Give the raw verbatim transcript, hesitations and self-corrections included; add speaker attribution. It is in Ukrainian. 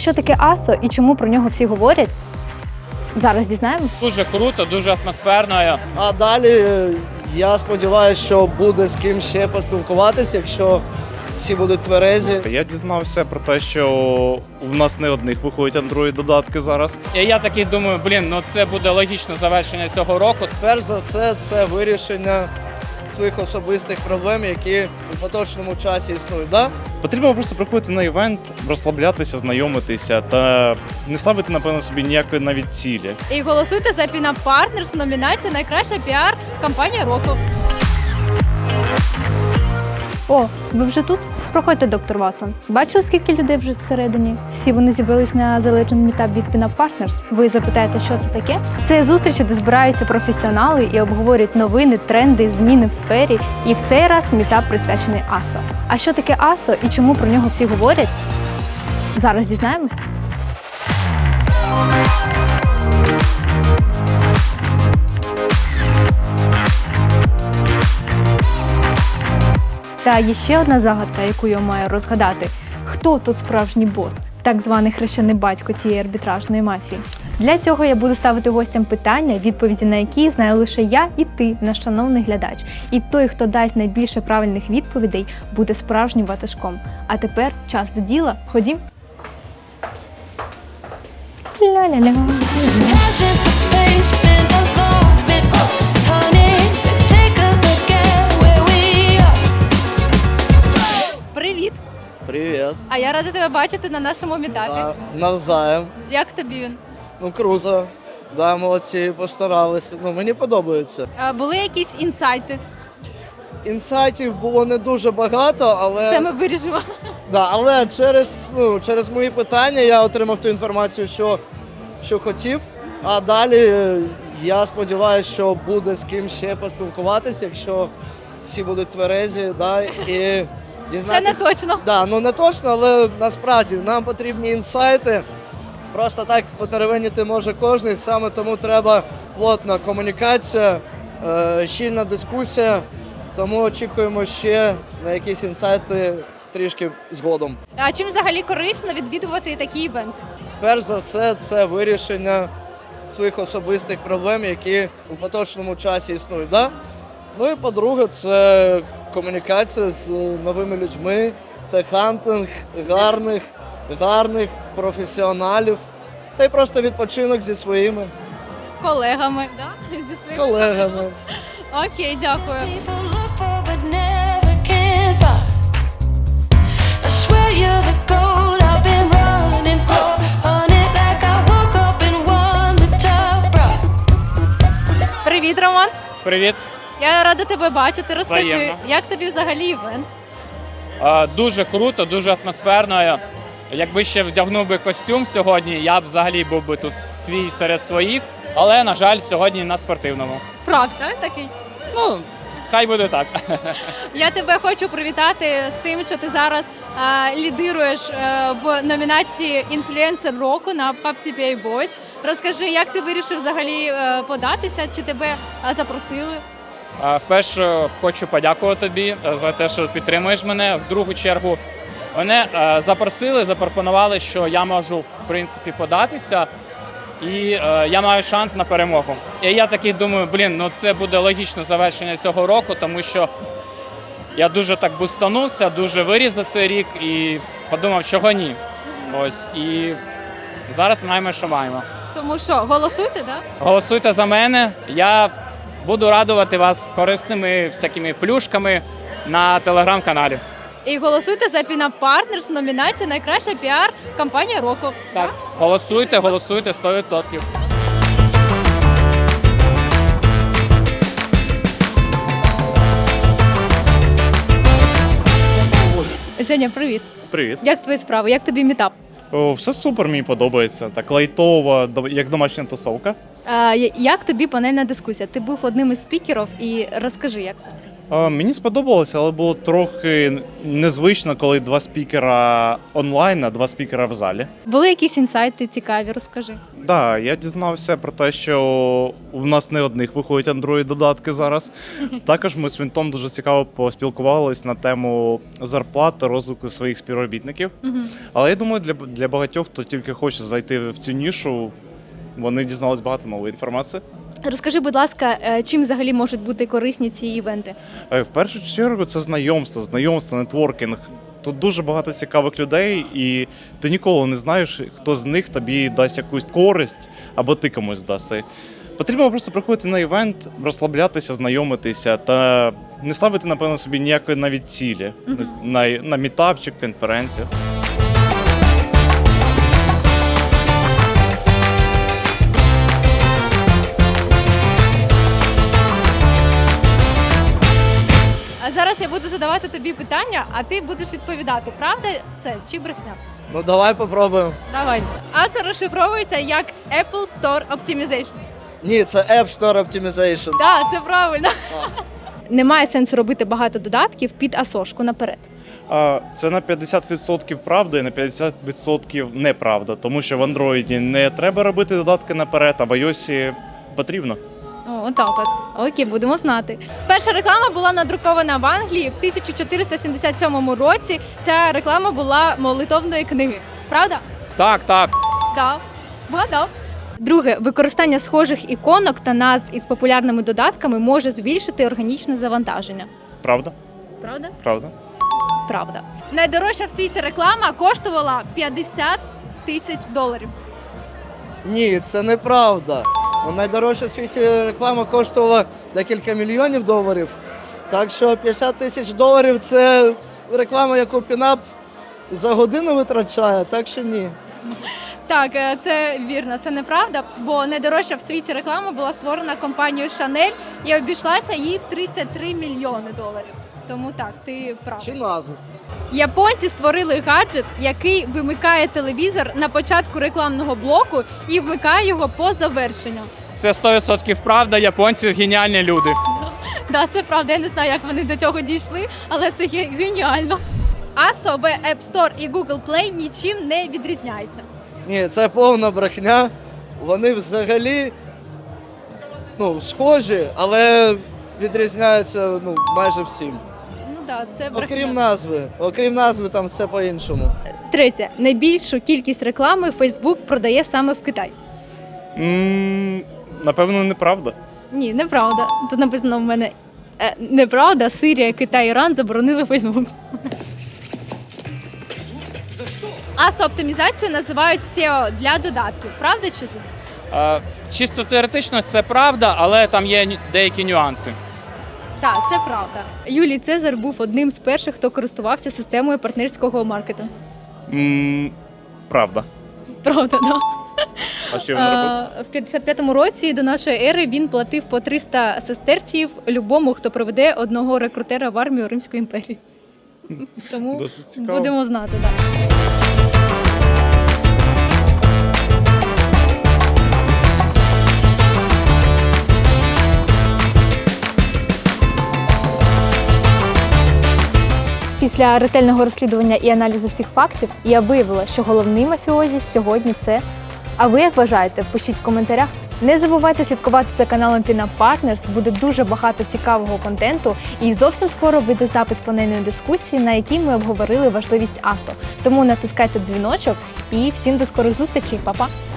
Speaker 1: що таке АСО і чому про нього всі говорять? Зараз дізнаємось.
Speaker 2: Дуже круто, дуже атмосферно.
Speaker 3: А далі я сподіваюся, що буде з ким ще поспілкуватися, якщо всі будуть тверезі.
Speaker 4: Я дізнався про те, що у нас не одних виходять Android-додатки зараз.
Speaker 2: І я такий думаю, блін, ну це буде логічне завершення цього року.
Speaker 3: Перш за все, це вирішення своїх особистих проблем, які у поточному часі існують. Да?
Speaker 4: Потрібно просто приходити на івент, розслаблятися, знайомитися та не ставити, напевно, собі ніякої навіть цілі.
Speaker 5: І голосуйте за Pin Up Partners, номінація «Найкраща піар-кампанія року».
Speaker 1: О, ви вже тут? Проходьте, доктор Ватсон. Бачили, скільки людей вже всередині? Всі вони з'явились на Legend Meetup від Pin Up Partners. Ви запитаєте, що це таке? Це зустрічі, де збираються професіонали і обговорюють новини, тренди, зміни в сфері. І в цей раз мітап присвячений АСО. А що таке АСО і чому про нього всі говорять? Зараз дізнаємось. Та є ще одна загадка, яку я маю розгадати. Хто тут справжній бос? Так званий хрещений батько цієї арбітражної мафії. Для цього я буду ставити гостям питання, відповіді на які знаю лише я і ти, наш шановний глядач. І той, хто дасть найбільше правильних відповідей, буде справжнім ватажком. А тепер час до діла. Ходім. Ля-ля-ля.
Speaker 5: Привіт!
Speaker 3: Привіт.
Speaker 5: А я рада тебе бачити на нашому мітапі.
Speaker 3: Да, навзаєм.
Speaker 5: Як тобі він?
Speaker 3: Ну круто. Да, молодці, постаралися. Ну, мені подобається.
Speaker 5: А, були якісь інсайти?
Speaker 3: Інсайтів було не дуже багато, але,
Speaker 5: Це ми вирішимо.
Speaker 3: да, але через, ну, через мої питання я отримав ту інформацію, що, що хотів. А далі я сподіваюся, що буде з ким ще поспілкуватися, якщо всі будуть тверезі, да, і
Speaker 5: Це
Speaker 3: дізнатися.
Speaker 5: не точно.
Speaker 3: Да, ну не точно, але насправді нам потрібні інсайти. Просто так потеревеніти може кожен, саме тому треба плотна комунікація, е, щільна дискусія. Тому очікуємо ще на якісь інсайти трішки згодом.
Speaker 5: А чим взагалі корисно відвідувати такі івенти?
Speaker 3: Перш за все, це вирішення своїх особистих проблем, які у поточному часі існують. Да? Ну і по-друге, це комунікація з новими людьми, це хантинг гарних, гарних професіоналів, та й просто відпочинок зі своїми
Speaker 5: Колегами, да? Зі своїми
Speaker 3: колегами.
Speaker 5: Окей, дякую. Привіт, Роман.
Speaker 2: Привіт.
Speaker 5: Я рада тебе бачити. Розкажи,
Speaker 2: Взаємно.
Speaker 5: як тобі взагалі івент?
Speaker 2: А, дуже круто, дуже атмосферно. Якби ще вдягнув би костюм сьогодні, я б взагалі був би тут свій серед своїх. Але, на жаль, сьогодні на спортивному.
Speaker 5: Фрак, так? Такий?
Speaker 2: Ну, хай буде так.
Speaker 5: Я тебе хочу привітати з тим, що ти зараз е, лідируєш е, в номінації «Інфлюенсер року» на Hub сі пі ей Boys. Розкажи, як ти вирішив взагалі е, податися, чи тебе е, запросили?
Speaker 2: А, Вперше хочу подякувати тобі за те, що підтримуєш мене. В другу чергу мене е, запросили, запропонували, що я можу, в принципі, податися. І е, я маю шанс на перемогу. І я такий думаю, блін, ну це буде логічне завершення цього року, тому що я дуже так бустанувся, дуже виріс за цей рік і подумав, чого ні. Ось, і зараз маємо, що маємо.
Speaker 5: Тому що, голосуйте, так? Да?
Speaker 2: Голосуйте за мене, я буду радувати вас корисними всякими плюшками на телеграм-каналі.
Speaker 5: І голосуйте за Pin Up Partners, номінація «Найкраща піар-кампанія року».
Speaker 2: Так, голосуйте, голосуйте сто відсотків.
Speaker 5: Женя, привіт.
Speaker 4: Привіт.
Speaker 5: Як твої справи? Як тобі мітап?
Speaker 4: О, все супер, мені подобається. Так лайтово, до- як домашня тусовка.
Speaker 5: А, я- як тобі панельна дискусія? Ти був одним із спікерів і розкажи, як це?
Speaker 4: А, Мені сподобалося, але було трохи незвично, коли два спікера онлайн, а два спікера в залі.
Speaker 5: Були якісь інсайти цікаві, розкажи.
Speaker 4: Так, да, я дізнався про те, що в нас не одних виходять Android-додатки зараз. Також ми з Вінтом дуже цікаво поспілкувалися на тему зарплат та розвитку своїх співробітників.
Speaker 5: Угу.
Speaker 4: Але я думаю, для, для багатьох, хто тільки хоче зайти в цю нішу, вони дізнались багато нової інформації.
Speaker 5: Розкажи, будь ласка, е, чим взагалі можуть бути корисні ці івенти?
Speaker 4: Е, В першу чергу це знайомство, знайомство, нетворкінг. Тут дуже багато цікавих людей, і ти ніколи не знаєш, хто з них тобі дасть якусь користь або ти комусь даси. Потрібно просто приходити на івент, розслаблятися, знайомитися та не ставити, напевно, собі ніякої навіть цілі
Speaker 5: Мгм.
Speaker 4: на, на мітап чи конференцію.
Speaker 5: А зараз я буду задавати тобі питання, а ти будеш відповідати, правда це чи брехня?
Speaker 3: Ну давай попробуємо.
Speaker 5: Давай. аса розшифровується як Apple Store Optimization.
Speaker 3: Ні, це App Store Optimization.
Speaker 5: Так, це правильно.
Speaker 3: Так.
Speaker 5: Немає сенсу робити багато додатків під асошку наперед.
Speaker 4: А це на п'ятдесят відсотків правда і на п'ятдесят відсотків неправда, тому що в Android не треба робити додатки наперед, а в iOS потрібно.
Speaker 5: О, отак от. Окей, будемо знати. Перша реклама була надрукована в Англії в тисяча чотириста сімдесят сьомому році. Ця реклама була молитовної книги. Правда?
Speaker 2: Так, так.
Speaker 5: Так. Вгадав. Друге, використання схожих іконок та назв із популярними додатками може збільшити органічне завантаження.
Speaker 4: Правда?
Speaker 5: Правда?
Speaker 4: Правда?
Speaker 5: Правда. Найдорожча в світі реклама коштувала п'ятдесят тисяч доларів.
Speaker 3: Ні, це неправда. Ну, найдорожча в світі реклама коштувала декілька мільйонів доларів. Так що п'ятдесят тисяч доларів це реклама, яку Пінап за годину витрачає, так що ні.
Speaker 5: Так, е, це вірно, це неправда, бо найдорожча в світі реклама була створена компанією Chanel і обійшлася їй в тридцять три мільйони доларів. Тому так, ти прав.
Speaker 3: Чи назис?
Speaker 5: Японці створили гаджет, який вимикає телевізор на початку рекламного блоку і вмикає його по завершенню.
Speaker 2: Це сто відсотків правда, японці геніальні люди.
Speaker 5: Да, це правда. Я не знаю, як вони до цього дійшли, але це ге- геніально. аса в App Store і Google Play нічим не відрізняється.
Speaker 3: Ні, це повна брехня. Вони взагалі ну, схожі, але відрізняються ну, майже всім.
Speaker 5: Ну так, це брехня.
Speaker 3: Окрім назви. Окрім назви, там все по-іншому.
Speaker 5: Третє. Найбільшу кількість реклами Facebook продає саме в Китай.
Speaker 4: М, Напевно, неправда.
Speaker 5: Ні, неправда. Тут написано в мене е, неправда. Сирія, Китай, Іран заборонили Facebook. аса-оптимізацію називають сео для додатків. Правда чи ж?
Speaker 2: Е, Чисто теоретично це правда, але там є ню- деякі нюанси.
Speaker 5: Так, це правда. Юлій Цезар був одним з перших, хто користувався системою партнерського маркетингу.
Speaker 4: М, Правда.
Speaker 5: Правда, да.
Speaker 4: А що він робив?
Speaker 5: А, в п'ятдесят п'ятому році до нашої ери він платив по триста сестерців любому, хто проведе одного рекрутера в армію Римської імперії. Тому
Speaker 4: Досить цікаво.
Speaker 5: будемо знати, так.
Speaker 1: Після ретельного розслідування і аналізу всіх фактів я виявила, що головний мафіозі сьогодні це. А ви як вважаєте? Пишіть в коментарях. Не забувайте слідкувати за каналом Pinup Partners, буде дуже багато цікавого контенту і зовсім скоро вийде запис панельної дискусії, на якій ми обговорили важливість аса. Тому натискайте дзвіночок і всім до скорих зустрічей, па-па!